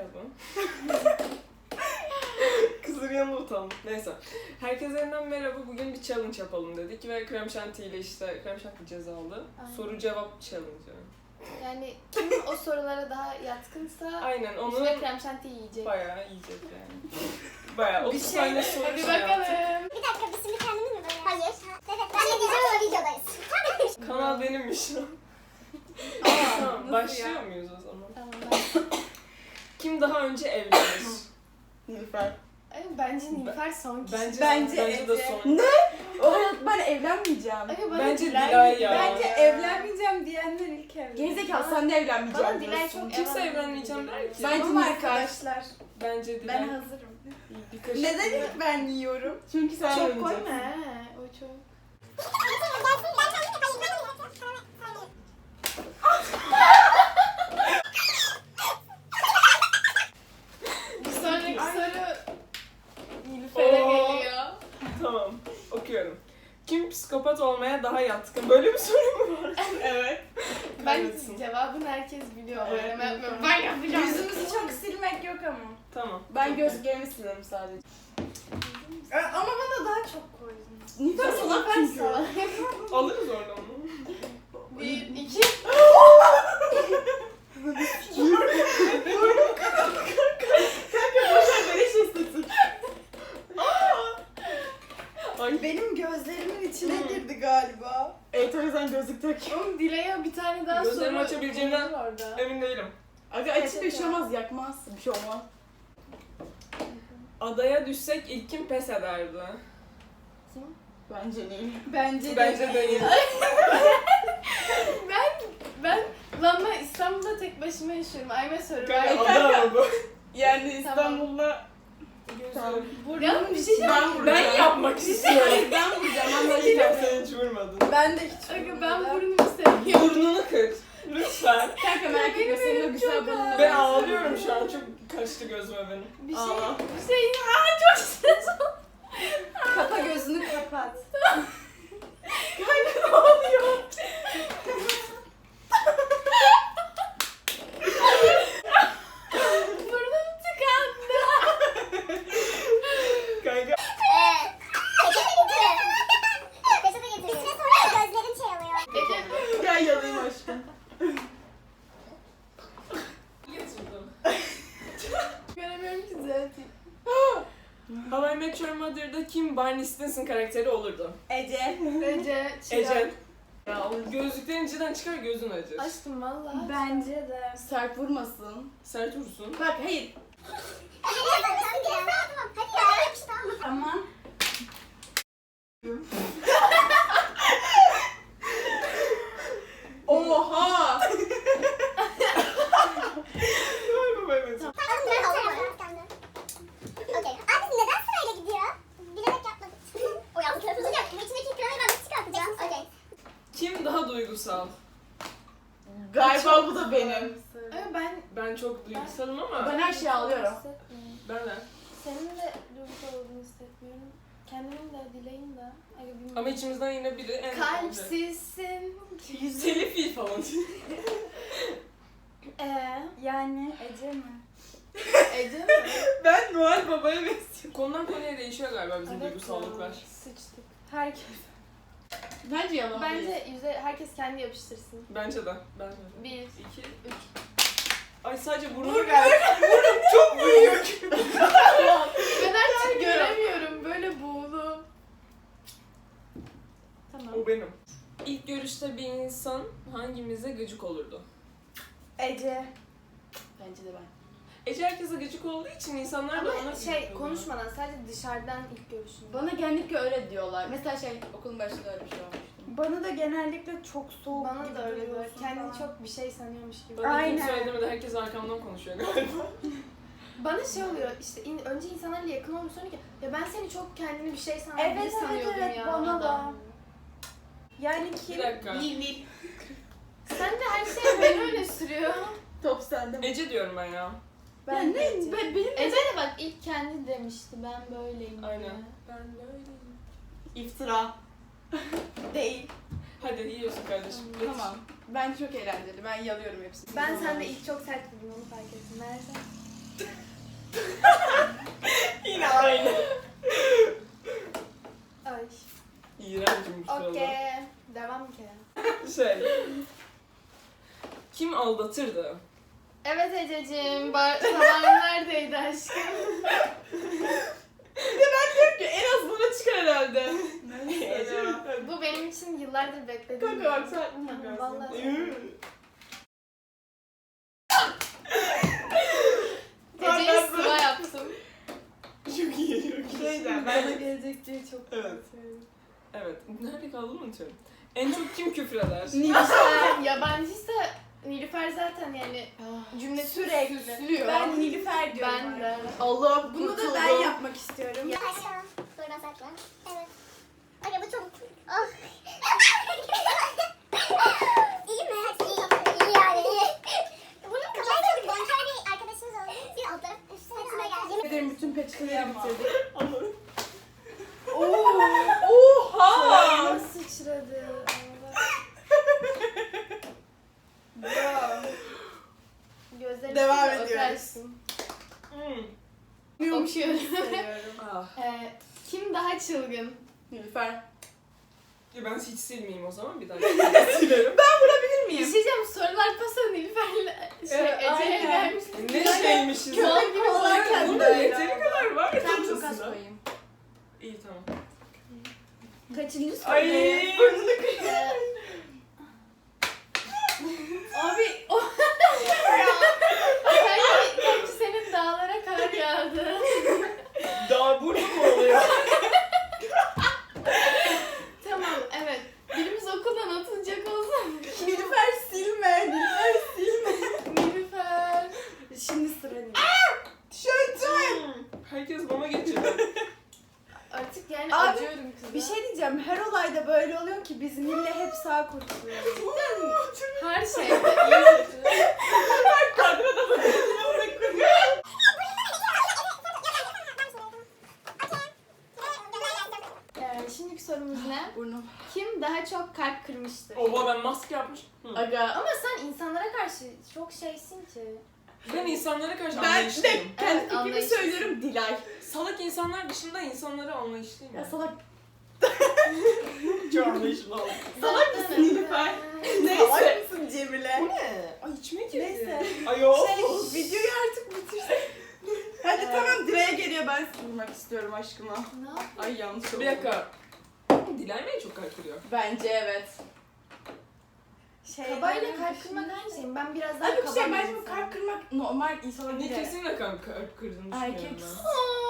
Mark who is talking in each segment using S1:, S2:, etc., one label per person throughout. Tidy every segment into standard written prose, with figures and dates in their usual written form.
S1: Merhaba. Kızın yanında utandım. Neyse. Herkese yeniden merhaba. Bugün bir challenge yapalım dedik ve Krem Şanti ile işte Krem Şanti ceza aldı.
S2: Aynen.
S1: Soru cevap challenge.
S2: Yani kim o sorulara daha yatkınsa
S1: Aynen onu
S2: üstüne krem şanti yiyecek.
S1: bayağı yiyecek yani. Bayağı 30 tane soru
S2: Hadi
S1: şey yaptık.
S2: bakalım.
S3: Bir dakika biz şimdi kendimiz mi böyle? Hayır. Evet ben de diyeceğim ama videodayız.
S1: Kanal benimmiş. Tamam, başlıyor muyuz o zaman?
S2: Tamam.
S1: Kim daha önce evlenir?
S4: Nilüfer.
S2: Bence Nilüfer son kişi.
S1: Bence de
S4: Ece.
S1: son.
S4: Evet ben evlenmeyeceğim.
S1: Bence Dilay ya.
S5: Bence evlenmeyeceğim diyenler ilk evlen.
S4: Gerizekalı sen de evlenmeyeceğim
S2: Bana Dilay
S4: diyorsun.
S2: çok
S1: Kimse evlenmeyeceğim der ki.
S4: Bence
S5: Tamam
S4: Nilüfer.
S5: arkadaşlar.
S1: Bence Dilay.
S5: Ben hazırım.
S1: Bir kaşık
S5: Neden
S1: bile-
S5: ilk ben yiyorum?
S4: Çünkü sen
S2: Çok
S4: evleneceksin.
S2: koyma he. O çok. Bir sonraki soru Nilüfer'e
S1: Oo.
S2: geliyor.
S1: Tamam, okuyorum. Kim psikopat olmaya daha yatkın? Böyle bir soru mu var?
S4: Evet.
S2: Ben
S1: Kaybetsin.
S2: cevabını herkes biliyor.
S4: Evet,
S2: Oynama
S4: biliyorum.
S2: yapmıyorum. Ben yapacağım.
S5: Yüzümüzü çok silmek yok ama.
S1: Tamam.
S4: Ben gözlüklerimi silerim sadece.
S5: Ama bana daha çok koydun.
S4: Nilüfer salak çünkü.
S1: Alırız oradan onu.
S2: 1, 2.
S4: Kanka boşver beleş istesin.
S1: Ay,
S5: Benim gözlerimin içine girdi galiba.
S4: Evet o yüzden gözlük tak.
S2: Oğlum Dilay'a bir tane daha
S1: Gözlerimi
S2: soru
S1: açabileceğimden
S2: koydu orada.
S1: emin değilim.
S4: Aga açık bir şey olmaz yakmaz. Bir şey olmaz.
S1: Adaya düşsek ilk kim pes ederdi?
S4: Bence Nil.
S5: Bence de.
S1: Bence değil.
S2: Lan ben İstanbul'da tek başıma yaşıyorum. Ayme soru
S1: Kanka
S2: var.
S1: ada ama bu.
S4: Yani İstanbul'da
S1: Tamam.
S2: Ya bir şey diyeceğim.
S1: Ben yapmak istiyorum.
S4: ben vuracağım.
S1: Anlaşılan sen hiç vurmadın.
S5: Ben de hiç
S2: Aga ben burnumu seviyorum.
S1: Burnunu kır. Lütfen.
S4: Kanka merak etme
S2: Benim
S4: senin o
S2: elim
S4: güzel
S2: çok
S4: burnunu.
S1: Ben ağlıyorum şu an. Çok kaçtı gözüme benim.
S2: Bir şey,
S4: Aa.
S2: bir şey. Aa çok stres oldu.
S5: Kapa gözünü kapat.
S2: Kanka ne oluyor? Burnum tıkandı.
S1: Kanka.
S3: Peçete getir. İçine sonra gözlerin şey oluyor.
S2: Gece
S4: Gel yalayım aşkım.
S1: Getirdim.
S2: göremiyorum ki zaten.
S1: How I Met Your Mother'da kim Barney Stinson karakteri olurdu?
S5: Ece.
S2: Ece,
S1: Ecel.
S4: Ya o
S1: Gözlüklerin cidden çıkar gözün acır.
S2: Aşkım valla.
S5: Bence de.
S4: sert vurmasın.
S1: Sert vursun.
S4: Bak hayır.
S3: Hadi ya. İşte ama.
S5: Aman.
S4: Oha!
S1: Galiba evet.
S3: Okey. Abi neden sırayla gidiyor? Bilerek yapmadım. O yan tarafını yaptım. İçindeki kremayı ben nasıl çıkartacağım? Okey.
S1: Kim daha duygusal?
S4: Galiba bu da benim.
S2: Ama ben
S1: Ben çok duygusalım ama
S4: Ben her şeye ağlıyorum.
S2: hissetmiyorum.
S1: ben de.
S2: Senin de duygusal olduğunu hissetmiyorum. Kendimin de, Dilay'ın da. Aga bilmiyorum.
S1: Ama içimizden yine biri en
S2: Kalpsizsin.
S1: Telif falan.
S5: Yani Ece mi?
S2: Ece mi?
S4: Ben Noel Baba'ya benziyorum.
S1: Konudan konuya değişiyor galiba bizim
S2: Evet
S1: duygusallıklar.
S2: ya, Sıçtık. Herkes.
S4: Bence yalan değil.
S2: Bence herkes kendi yapıştırsın.
S1: Bence de. Ben de.
S2: 1, 2, 3.
S1: Ay sadece burnuma geldi. Burnum çok büyük.
S2: Ben artık göremiyorum. Böyle buğulu. Tamam.
S1: O benim. İlk görüşte bir insan hangimize gıcık olurdu?
S5: Ece.
S4: Bence de ben.
S1: Ece herkese gıcık olduğu için insanlar da ona
S2: Ama
S1: gıcık
S2: şey
S1: oluyor.
S2: konuşmadan sadece dışarıdan ilk görüşünde.
S4: Bana genellikle öyle diyorlar. Mesela okulun başında öyle bir şey olmuştu.
S5: Bana da genellikle çok soğuk
S2: Bana
S5: gibi
S2: da öyle böyle.
S5: duruyorsun
S2: Kendini
S5: falan.
S2: çok bir şey sanıyormuş gibi.
S1: Bana
S5: Aynen.
S1: kim söyledi de herkes arkamdan konuşuyor galiba.
S2: Bana şey oluyor işte önce insanlarla yakın olmuş sonra ki ya ben seni çok kendini bir şey
S5: Evet,
S2: sanıyordum
S5: evet,
S2: ya.
S5: bana da.
S2: adam."
S5: Yani
S1: Bir
S5: kim?
S1: dakika.
S4: Nil.
S2: Sen de her şeye beni öyle sürüyor.
S4: Top sende.
S1: Ece diyorum ben ya.
S5: Ben
S4: ne?
S5: Ece.
S4: Benim
S2: Ece de bak ilk kendi demişti ben böyleyim diye.
S1: Aynen. Ben böyleyim.
S4: iftira.
S5: Değil.
S1: Hadi yiyorsun kardeşim. Geç.
S4: Tamam. Bence çok eğlenceli. Ben yalıyorum hepsini.
S2: Ben sende ilk çok sert buldum onu fark ettim. Nerede?
S1: aldatırdı.
S2: Evet Ececiğim, tabağın neredeydi aşkım?
S4: En az bana çıkar herhalde.
S2: Bu benim için yıllardır beklediğim.
S4: Kanka bak sen.
S2: Hı, vallahi. Ece'yi sıra yaptım.
S1: Çok iyi, çok iyi.
S4: Şeyden
S5: Bana gelecek diye çok
S1: Evet.
S5: korkuyorum.
S1: Evet. Nerede kaldığımı unutuyorum. En çok kim küfreder?
S2: Nilüfer yabancıysa Nilüfer zaten yani cümle
S5: Sürekli.
S2: süslüyor.
S5: Ben Nilüfer diyorum.
S2: Ben de.
S4: Allah
S5: Bunu da ben yapmak istiyorum.
S3: Aşağı. Buradan sakla. Evet. Aga bu çok... Oh. İyi mi? İyi yani. Bunun kafayı çok bonker bir arkadaşımız oldu. Bir alt taraf üstüne geldi.
S4: Ederim bütün peçeteleri bitirdik.
S1: Anladım.
S4: Oha!
S2: Sıçradı. Gözlerini
S5: Devam
S2: sil de
S5: ediyoruz.
S2: öpersin. Okuyorum.
S5: Seviyorum.
S1: Ah.
S2: Kim daha çılgın?
S4: Nilüfer.
S1: Ya ben hiç silmeyeyim o zaman. Bir daha silerim.
S2: Bir şey diyeceğim, sorular pasa Nilüfer'le Ece'ye
S5: aynen.
S2: gelmiş.
S1: Ne şeymişiz?
S2: Köpek gibi
S5: olarken
S1: Bunun
S5: de öyle.
S1: yeteri kadar var ya
S4: Ben çok az
S1: çantasında.
S4: koyayım.
S1: İyi tamam.
S5: Kaçıncı soru?
S1: Ay.
S5: Abi
S2: Kanki senin dağlara kar yağdı.
S1: Daha burada mı oluyor?
S2: Tamam, evet. Birimiz okuldan atılacak olsun.
S5: Nilüfer silme. Nilüfer silme.
S2: Nilüfer.
S5: Şimdi sıra Nilüfer.
S1: Herkes bana geçiyor.
S2: Artık yani
S5: Abi,
S2: acıyorum kıza.
S5: Bir şey diyeceğim. Her olayda böyle oluyor ki biz Nil'le hep sağ kurtuluyoruz.
S2: Her şeyde iyi kötü. Şimdiki sorumuz ne?
S4: Burnum.
S2: Kim daha çok kalp kırmıştır?
S1: Oha ben maske yapmış. Hı.
S4: Aga.
S2: Ama sen insanlara karşı çok şeysin ki.
S1: Ben insanlara karşı
S5: Ben de
S1: anlayışlıyım.
S5: kendi
S2: Evet,
S5: fikrimi
S2: anlayışlısın.
S5: söylüyorum Dilay.
S1: Salak insanlar dışında insanlara anlayışlıyım.
S4: Ya
S1: ben.
S4: salak.
S1: Çok anlayışlı oldum.
S2: Salak
S5: mısın Nilüfer? Salak mısın Cemile?
S1: Bu ne? Ay içime girdi.
S5: Neyse.
S1: Ay o.
S5: Videoyu artık bitirsek. Hadi tamam Dilay'a geliyor, ben vurmak istiyorum aşkıma.
S2: Ne yap-
S5: Ay yanlış oldu.
S1: Bir dakika. Dilay mı en çok kalp kırıyor?
S4: Bence evet.
S2: Kabayla kalp kırmak aynı şey. Ben biraz daha
S5: Abi bir
S2: kaba
S5: şey,
S2: bir
S5: bence bu
S2: insanım.
S5: kalp kırmak normal insanlar
S1: Ne
S5: değil.
S1: kesinlikle kalp kırdığını
S5: Erkek.
S1: düşünüyorum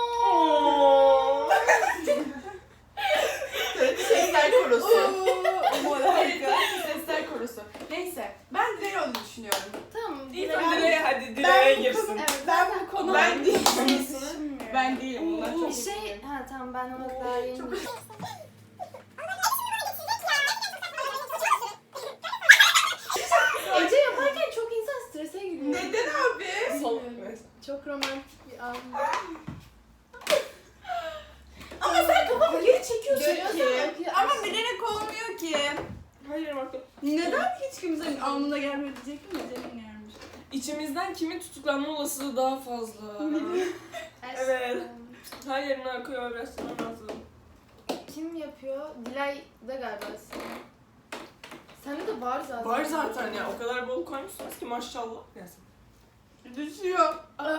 S4: Sesler korosu.
S5: Bu harika.
S4: Sesler korosu.
S5: Neyse, ben Dilay olduğunu düşünüyorum.
S2: Tamam.
S1: ben. İyi
S2: Dilay-
S1: tamam Dilay'a hadi Dilay'a
S5: bu
S1: girsin.
S5: konu-
S2: Evet,
S5: ben
S2: zaten
S5: bu konu
S1: Ben değilim.
S5: düşünmüyorum. Ben değilim, bunlar çok
S2: Bir şey, ha tamam ben ona daha yeni. Ece yaparken çok insan strese giriyor.
S5: Neden abi?
S1: Sol.
S2: Bilmiyorum.
S1: Neyse.
S2: Çok romantik bir an.
S5: Ama sen kafamı geri çekiyorsun
S2: Görüyorsan
S5: ki.
S2: bakıyor.
S5: Ama bilerek olmuyor ki.
S1: Hayır Marco.
S5: Neden hiç kimsenin alnına gelmedi diyecektim de Cem'in gelmiş.
S1: İçimizden kimin tutuklanma olasılığı daha fazla? Evet. Her yerini arkaya öğretmem lazım.
S2: Kim yapıyor? Dilay da galiba. Sende de var zaten.
S1: Var zaten ya. O kadar bol koymuşsunuz ki maşallah. Neyse.
S5: Düşüyor.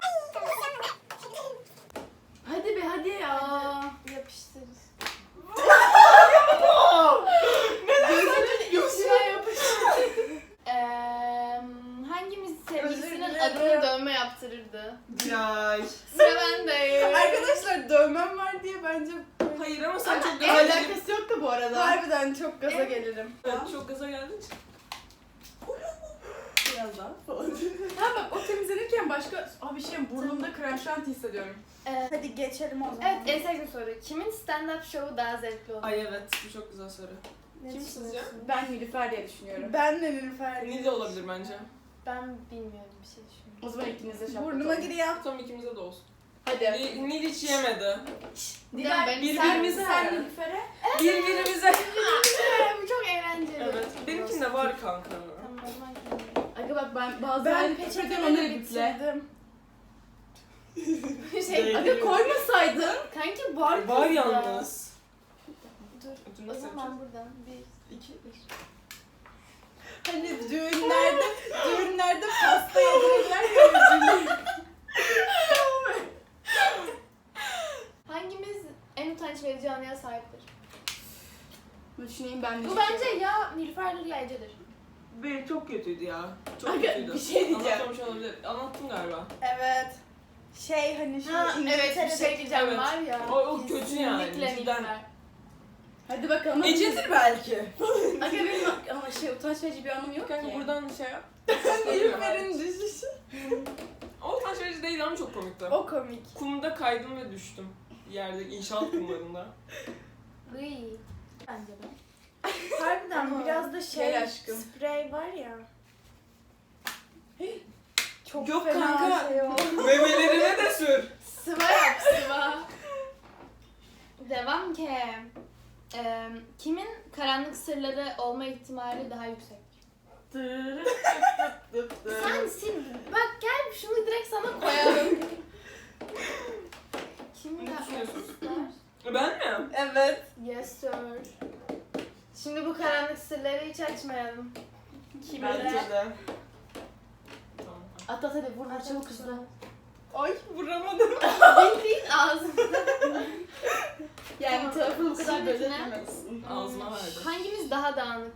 S2: Hadi be hadi ya. Yapıştır. Gözünün içine yapıştır. Hangimiz sevgilisinin
S5: Özür
S2: adını
S5: dilerim.
S2: dövme yaptırırdı?
S1: Dilay.
S2: Sıra bende.
S5: Arkadaşlar dövmem var diye bence
S1: Hayır ama sen çok
S2: Ama
S1: gaza geldin.
S4: Alakası yok da bu arada.
S5: harbiden çok gaza gelirim.
S1: Evet, çok gaza geldin.
S5: Biraz daha falan.
S4: Ha bak o temizlenirken başka... Abi şey burnumda krem şanti hissediyorum.
S5: Hadi geçelim o zaman.
S2: Evet, en sevdiğim soru. Kimin stand-up şovu daha zevkli olur?
S1: Ay evet bu çok güzel soru.
S2: Ne
S1: kim
S2: düşünüyorsun?
S1: sizce?
S4: Ben Nilüfer diye düşünüyorum.
S5: Ben de Nilüfer.
S1: Nil de olabilir bence.
S2: Ben bilmiyorum bir şey düşünüyorum.
S4: O zaman ikiniz de şapka
S5: Burnuma
S4: takın.
S5: giriyor.
S1: Tam ikimize de olsun.
S4: Hadi.
S1: Nil hiç yemedi.
S2: Dilay,
S1: birbirimize-
S5: Sen Nilüfer'e.
S1: Birbirimize.
S2: Bu çok eğlenceli.
S1: Evet. Benimkinde var kanka.
S2: Tamam o zaman kendim.
S4: Aga bak ben bazı
S5: Ben
S4: halini
S5: peçeteleri
S4: peçeteden onları biple.
S5: bitirdim.
S2: Şey,
S4: Aga koymasaydın.
S2: kanki var
S1: Var
S2: kızda.
S1: yalnız.
S2: Dur.
S1: Ödülünü
S2: O
S1: seçeceğiz.
S2: zaman buradan bir, iki, üç.
S5: Hani düğünlerde pasta yedirirler ya.
S2: Hangimiz en utanç verici anıya sahiptir?
S5: Düşüneyim ben de.
S2: Bu bence ya Nilüfer'dir ya Ece'dir.
S1: Benim çok kötüydü ya. Çok
S5: Aga,
S1: kötüydü.
S5: bir şey diyeceğim.
S1: Anlatmamış olabilir. Anlattım galiba.
S5: Evet. Hani şu
S2: Ha, evet bir şey diyeceğim
S1: Evet.
S2: var ya.
S1: O kötü yani,
S2: kesinlikle
S1: cidden.
S2: Nilüfer.
S5: Hadi bakalım.
S1: Ece'dir belki.
S5: Aga benim ama utanç verici bir anım yok
S1: Kanka
S5: ki.
S1: buradan şey yap.
S5: Nilüfer'in düşüşü.
S1: O utanç verici değil ama çok komikti.
S5: O komik.
S1: Kumda kaydım ve düştüm. Yerde inşaat kumlarında.
S2: Iy. Bence de.
S5: Harbiden biraz da
S4: Gel aşkım.
S5: sprey var ya. Çok
S1: Yok
S5: fena
S1: kanka.
S5: şey oldu.
S1: Memelerine de sür.
S2: Sıva yap sıva. Devam ki. Kimin karanlık sırları olma ihtimali daha yüksek? Sensin. Bak gel şunu direkt sana koyalım. Kimin
S1: Ne
S2: karanlık
S1: düşünüyorsunuz?
S2: sırlar?
S1: Ben mi?
S5: Evet.
S2: Yes sir. Şimdi bu karanlık sırları hiç açmayalım.
S1: Bence de. Tamam.
S2: At at hadi vur vur çabuk hızlı.
S5: Ay vuramadım.
S2: Bildiğin ağzımda.
S5: Yani
S2: Tamam.
S5: tarafını bu kadar
S2: Şimdi
S5: böyle
S2: ne?
S5: etmezsin.
S1: Ağzıma verdi.
S2: Hangimiz daha dağınık?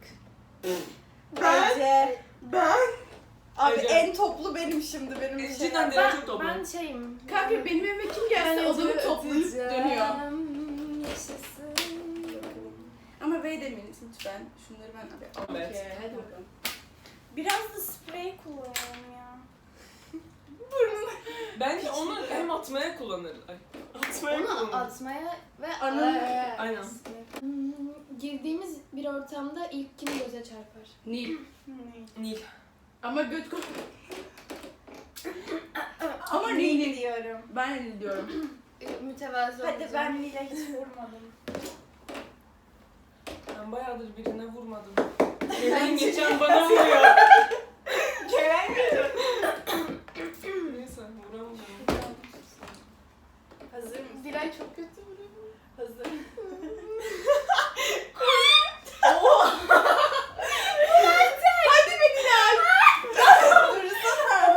S5: Bence. Ben. Abi
S1: Ece.
S5: en toplu benim şimdi benim.
S1: Cidden de çok toplu.
S2: Ben şeyim.
S5: Kanka benim evime kim gelse odamı toplayıp dönüyor.
S2: Yaşasın.
S5: Ama bey demeyiniz lütfen. Şunları ben alayım.
S1: Evet.
S5: Okey, hadi bakalım. Biraz da sprey kullanalım ya. Burnuna.
S1: Bence onu hem atmaya kullanır. Ay, atmaya
S2: Onu
S1: kullanır.
S2: atmaya ve
S5: Anı-
S1: Aynen.
S2: Girdiğimiz bir ortamda ilk kim göze çarpar?
S5: Nil.
S1: Nil.
S5: Ama göt kok. Ama Nil diyorum. Ben Nil diyorum.
S2: Mütevazı
S5: Hadi
S2: olacağım.
S5: ben Nil'e hiç vurmadım.
S1: Ben bayağıdır birine vurmadım. Gelen geçen bana vuruyor. Gelen geçen. Neyse vuramadım.
S5: Hazır mısın?
S2: Dilay çok kötü vuruyor.
S5: Hazır. Hadi be Nilay. Dursana.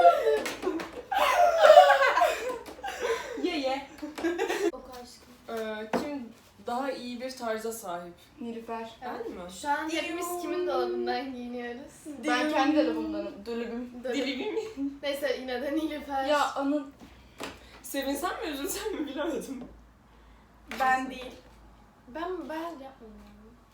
S5: Ye.
S2: Oku aşkım.
S1: Kim daha iyi bir tarza sahip?
S5: Nilüfer.
S1: Ben mi?
S2: Şu an hepimiz kimin dolabından giyiniyoruz?
S5: Ben kendi dolabımdanım. Dolabım.
S1: Deli mi?
S2: Neyse yine de Nilüfer.
S5: Ya Anıl.
S1: Sevinsem mi üzülsem mi bilemedim.
S5: Ben değil.
S2: Ben yapmadım.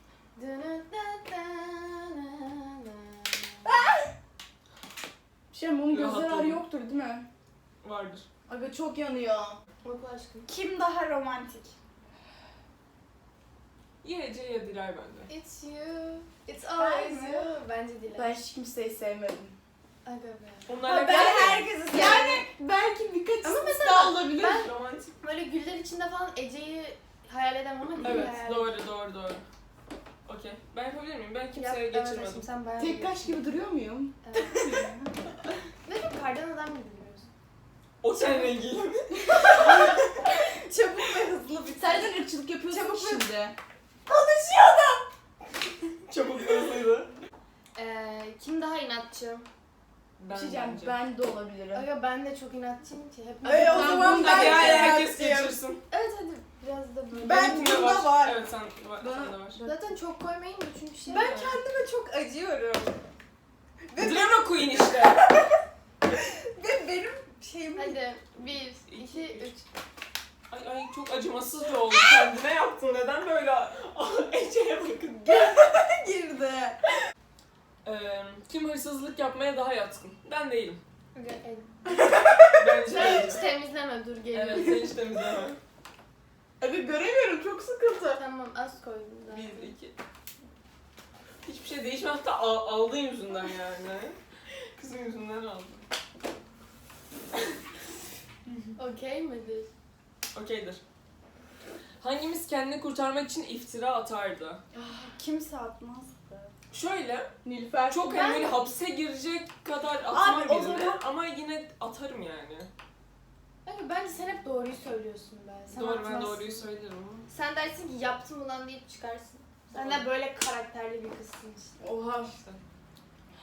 S5: Bunun
S1: gözleri
S5: gözleri
S1: ağrı
S5: yoktur değil mi?
S1: Vardır.
S5: Aga çok yanıyor.
S2: Oku aşkım.
S5: Kim daha romantik?
S1: Ya Ece ya Dilay bende.
S2: It's you. It's always
S5: Ben mi?
S2: you. Bence Dilay.
S5: Ben hiç kimseyi sevmedim.
S2: Aga be.
S1: Onlarla
S5: Ben
S1: gel-
S5: herkesi sevdim. Yani belki birkaç
S2: Ama
S5: istisna
S2: mesela
S5: olabilir.
S2: ben-
S1: Romantik.
S2: Böyle güller içinde falan Ece'yi hayal edemem ama Dilay'ı
S1: Evet
S2: hayal
S1: doğru. Okey. Ben yapabilir miyim? Ben
S2: Yap,
S1: kimseye
S2: evet
S1: geçirmedim.
S2: aşkım, sen bayağı
S5: Tek kaş
S2: biliyorsun.
S5: gibi duruyor muyum?
S2: Evet. Ve çok kardan adam gibi duruyorsun.
S1: O seninle ilgili mi?
S5: Çabuk ve hızlı bir
S2: Senden
S5: ırkçılık yapıyorsun
S2: Çabuk ve-
S5: şimdi.
S1: Çabuk hızlıydı.
S2: Kim daha inatçı?
S1: Ben
S5: Diyeceğim,
S1: bence.
S5: ben de olabilirim.
S2: Aga ben de çok inatçıyım ki. Hep
S5: Ay, o
S1: Tamam,
S5: zaman
S1: bunu da
S5: ben
S1: bir
S5: de
S1: herkes
S5: inatçıyım.
S1: geçirsin.
S2: Evet hadi biraz da böyle.
S5: Ben-
S1: Benimkinde
S5: bunda var.
S1: Evet sen sende var.
S2: Zaten çok koymayın da çünkü şey
S5: Ben
S2: var.
S5: kendime çok acıyorum.
S1: Drama queen işte.
S5: Ve benim şeyim
S2: Hadi 1, 2, 3.
S1: Ay çok acımasızca oldu. Kendine yaptın. Neden böyle? Ece'ye bakın.
S5: girdi.
S1: Kim hırsızlık yapmaya daha yatkın? Ben değilim.
S2: Aga el.
S1: Bence
S2: Sen
S1: Ece.
S2: hiç temizleme dur geliyorum.
S1: Evet sen hiç temizleme.
S5: Aga göremiyorum, çok sıkıntı.
S2: Tamam az koydum zaten.
S1: 1, 2. Hiçbir şey değişmedi. Hatta aldığın yüzünden yani. Kızın yüzünden aldım.
S2: Okey midir?
S1: Okeydir. Hangimiz kendini kurtarmak için iftira atardı?
S5: Kimse atmazdı.
S1: Şöyle,
S5: Nilüfer.
S1: çok
S2: Ben-
S1: böyle hapse girecek kadar atmam
S5: Abi, o
S1: birine
S5: zaman-
S1: ama yine atarım yani.
S2: Aga bence sen hep doğruyu söylüyorsun be. Sen
S1: Doğru ben
S2: atmazsın.
S1: doğruyu söylerim ama.
S2: Sen dersin ki yaptım ulan deyip çıkarsın. Sen de böyle karakterli bir kızsın işte.
S5: Oha.
S1: İşte.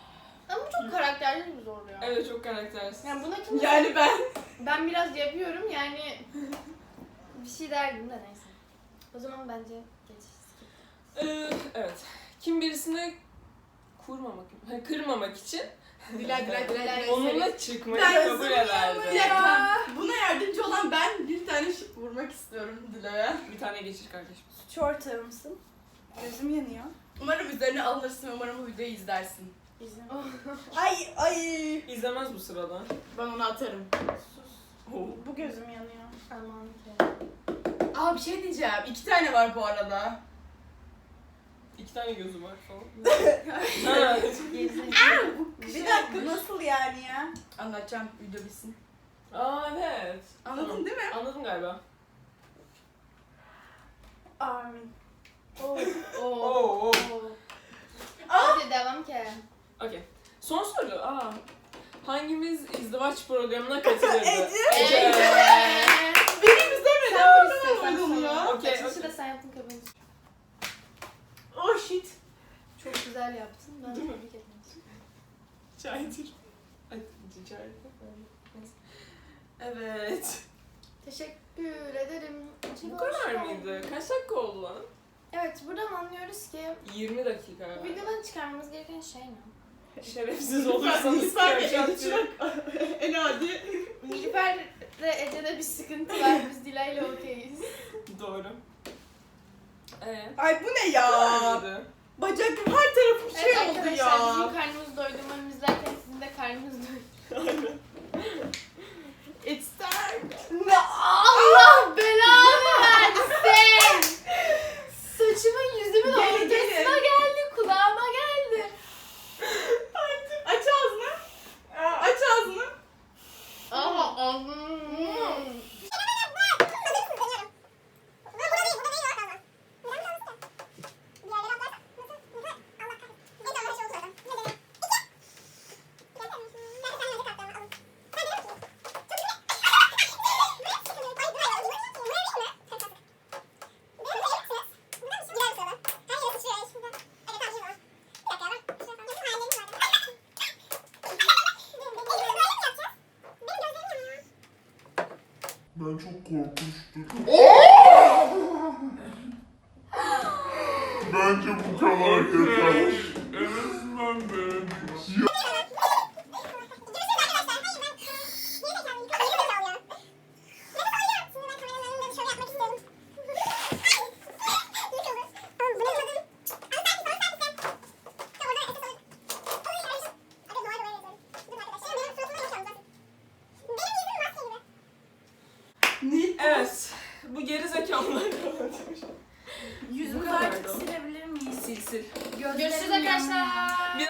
S2: Ama bu çok karakterli bir zor ya.
S1: Evet, çok karaktersiz.
S2: Yani buna kim...
S5: Yani
S2: Ben biraz yapıyorum yani bir şey derdim de neyse. O zaman bence geç.
S1: Evet. Kim birisini kırmamak için
S2: Dilay
S1: onunla çıkmayı
S5: Ben
S1: kabul ederdi.
S5: Bir dakika. Buna yardımcı olan ben bir tane şık vurmak istiyorum Dilay'a.
S1: Bir tane geçir kardeşim.
S5: Suçu ortağı mısın? Gözüm yanıyor. Umarım üzerine alınırsın, umarım bu videoyu izlersin. Ay.
S1: İzlemez bu sırada.
S5: Ben onu atarım.
S1: Oo.
S5: Bu gözüm yanıyor.
S2: Aman ki.
S5: Aa bir şey diyeceğim. 2 tane var bu arada.
S1: 2 tane gözü var falan. Evet.
S5: Bir dakika nasıl yani ya? Anlatacağım, video bitsin.
S1: Aa evet.
S5: Anladın
S1: Tamam.
S5: değil mi?
S1: Anladım galiba.
S5: Amin.
S2: Oo.
S1: Oo.
S2: Hadi devam ki.
S1: Okey. Son soru. Hangimiz izdivaç programına katılırdı?
S2: Ece.
S5: Benim izlemedim.
S2: Sen bir istiyorsan
S5: Oğlum ya.
S2: sana.
S1: Okey,
S2: Açılışı
S1: okey.
S2: da sen yaptın kabul.
S5: Oh shit.
S2: Çok güzel yaptın. Ben
S1: Değil mi?
S2: tebrik ederim.
S1: Çaydır. Ay, çaydır. Evet.
S2: Teşekkür ederim.
S1: Bu kadar mıydı? Kaç dakika oldu lan?
S2: Evet, buradan anlıyoruz ki
S1: 20 dakika.
S2: bu videodan çıkarmamız gereken şey ne?
S1: Şerefsiz olursanız
S5: Lütfen
S1: karşılaştırın.
S5: en adi.
S2: Nilüfer ve Ece'de bir sıkıntı var. Biz Dilay'la okeyiz.
S1: Doğru.
S5: Ay bu ne ya?
S1: Neydi?
S5: Bacak her tarafım şey
S2: Evet
S5: oldu
S2: arkadaşlar
S5: ya.
S2: bizim karnımız doydu. Umarım izlerken sizin de karnınız doydu.
S5: It's time.
S2: Allah belanı versin! Saçımın yüzümün
S5: Gelin,
S2: ortasına
S5: gelin.
S2: geldi, kulağıma geldi.
S5: Aç ağzını. Aç ağzını.
S2: Aha,
S6: Ben çok korkmuştum. Bence bu kadar yeter. En azından denedik.
S5: Ne?
S1: Evet. Bu geri zekalılar
S5: Yüzümüzü
S1: Bu kadardı.
S5: artık silebilir miyiz?
S1: Sil sil.
S2: görüşürüz arkadaşlar.